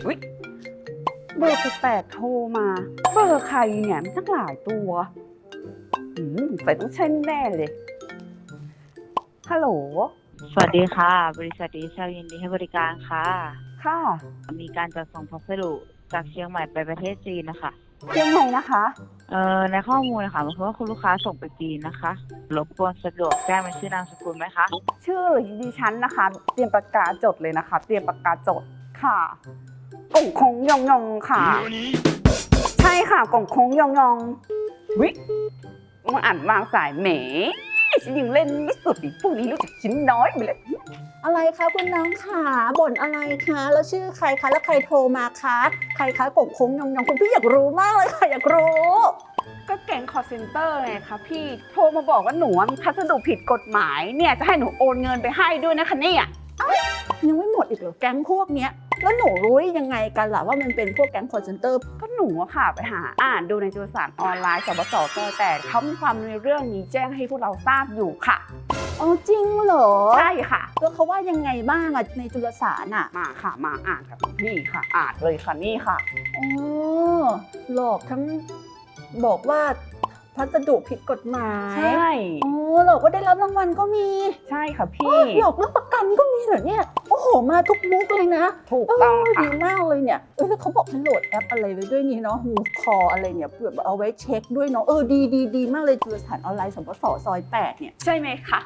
อุ๊ยเบอร์แปลกๆโทรมา เบอร์ใครเนี่ยมีตั้งหลายตัวใส่ต้องใช่แน่เลย ฮัลโหลสวัสดีค่ะบริษัทดีเซลยินดีให้บริการค่ะค่ะมีการจัดส่งพัสดุจากเชียงใหม่ไปประเทศจีนนะคะเชียงใหม่นะคะในข้อมูลนะคะเพราะว่าคุณลูกค้าส่งไปจีนนะคะรบกวนสะดวกแจ้งเป็นชื่อนามสกุลไหมคะชื่อดิฉันนะคะ เตรียมปากกาจดเลยนะคะ เตรียมปากกาจดค่ะกงคงยองยองค่ะ ใช่ค่ะกงคงยองยองวิมาอ่านวางสายแหมฉันยังเล่นไม่สุดอีกพวกนี้รู้จักชิ้นน้อยไปเลยอะไรคะคุณน้องขาบ่นอะไรคะแล้วชื่อใครคะแล้วใครโทรมาคะใครคะกบโค้งยองคุณพี่อยากรู้มากเลยค่ะอยากรู้ก็แก๊งคอร์เซนเตอร์ไงคะพี่โทรมาบอกว่าหนูมีพัสดุผิดกฎหมายเนี่ยจะให้หนูโอนเงินไปให้ด้วยนะคะเนี่ยยังไม่หมดอีกเหรอแก๊งพวกเนี้ยแล้วหนูรู้ได้ยังไงกันล่ะว่ามันเป็นพวกแก๊งคอร์เซนเตอร์ก็หนูอะค่ะไปหาอ่านดูในจุลสารออนไลน์สบสแต่เขามีความในเรื่องนี้แจ้งให้พวกเราทราบอยู่ค่ะอ๋อจริงเหรอใช่ค่ะแล้วเขาว่ายังไงบ้างอะในจุลสารอะมาค่ะมาอ่านกับพี่ค่ะอ่านเลยค่ะนี่ค่ะอ๋อหลอกทั้งบอกว่าพัสดุผิดกฎหมายใช่อ๋อหลอกว่าได้รับรางวัลก็มีใช่ค่ะอ๋พี่อหลอกเรื่องประกันก็มีเหรอเนี่ยโอ้โหมาทุกมุกเลยนะถูกต้องค่ะดีมากเลยเนี่ยแล้วเขาบอกให้โหลดแอปอะไรไว้ด้วยนี่เนาะฮูคออะไรเนี่ยแบบเอาไว้เช็คด้วยเนาะดีมากเลยจุลสารออนไลน์สปสซอย8เนี่ยใช่ไหมคะ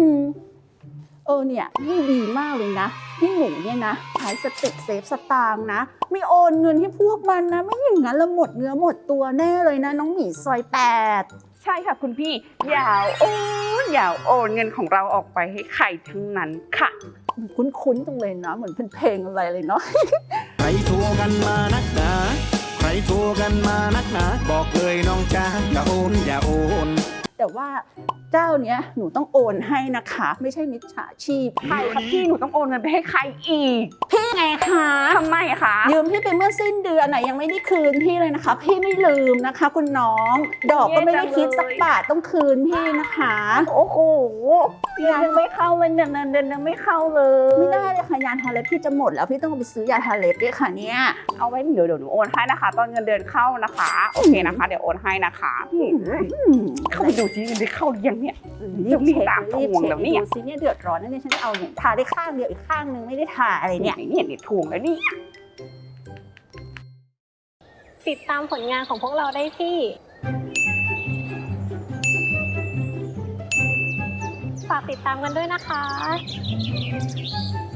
เนี่ยนี่ดีมากเลยนะที่หนูเนี่ยนะใช้สติกเซฟสตางค์นะไม่โอนเงินให้พวกมันนะไม่อย่างนั้นละหมดเนื้อหมดตัวแน่เลยนะน้องหมีซอย8 ใช่ค่ะคุณพี่อย่าโอนเงินของเราออกไปให้ใครทั้งนั้นค่ะคุ้นๆตรงเลยนะเหมือนเป็นเพลงอะไรเลยเนาะใครโทรกันมานักหนาใครโทรกันมานักหนาบอกเลยน้องจ้าอย่าโอนอย่าโอนแต่ว่าเจ้าเนี้ยหนูต้องโอนให้นะคะไม่ใช่มิจฉาชีพใครคะพี่หนูต้องโอนเงินไปให้ใครอีกพี่ไงคะทำไมคะยืมพี่ไปเมื่อสิ้นเดือนน่ะยังไม่ได้คืนพี่เลยนะคะ พี่ไม่ลืมนะคะ คุณน้อง ดอกก็ไม่ได้คิดสักบาทต้องคืนพี่นะคะโอ้โหเดือนยังไม่เข้าเลยเดือนยังไม่เข้าเลยไม่ได้เลยค่ะยาทาเล็บพี่จะหมดแล้วพี่ต้องเอาไปซื้อยาทาเล็บด้วยค่ะเนี่ยเอาไว้เดี๋ยวหนูโอนให้นะคะ ตอนเงินเดือนเข้านะคะโอเคนะคะ เดี๋ยวโอนให้นะคะเข้าไปดูซิเงินเดือนเข้าหรือยังเนี่ยรีบเช็คตามทรีบวงเช็แล้ควเนี่ยดูซิเนี่ยเดือดร้อนนะเนี่ยฉันจะเอาเนี่ยทาได้ข้างเดียวอีกข้างนึงไม่ได้ทาอะไรเนี่ยเนี่ยทวงแล้วนี่ติดตามผลงานของพวกเราได้ที่ ฝากติดตามกันด้วยนะคะ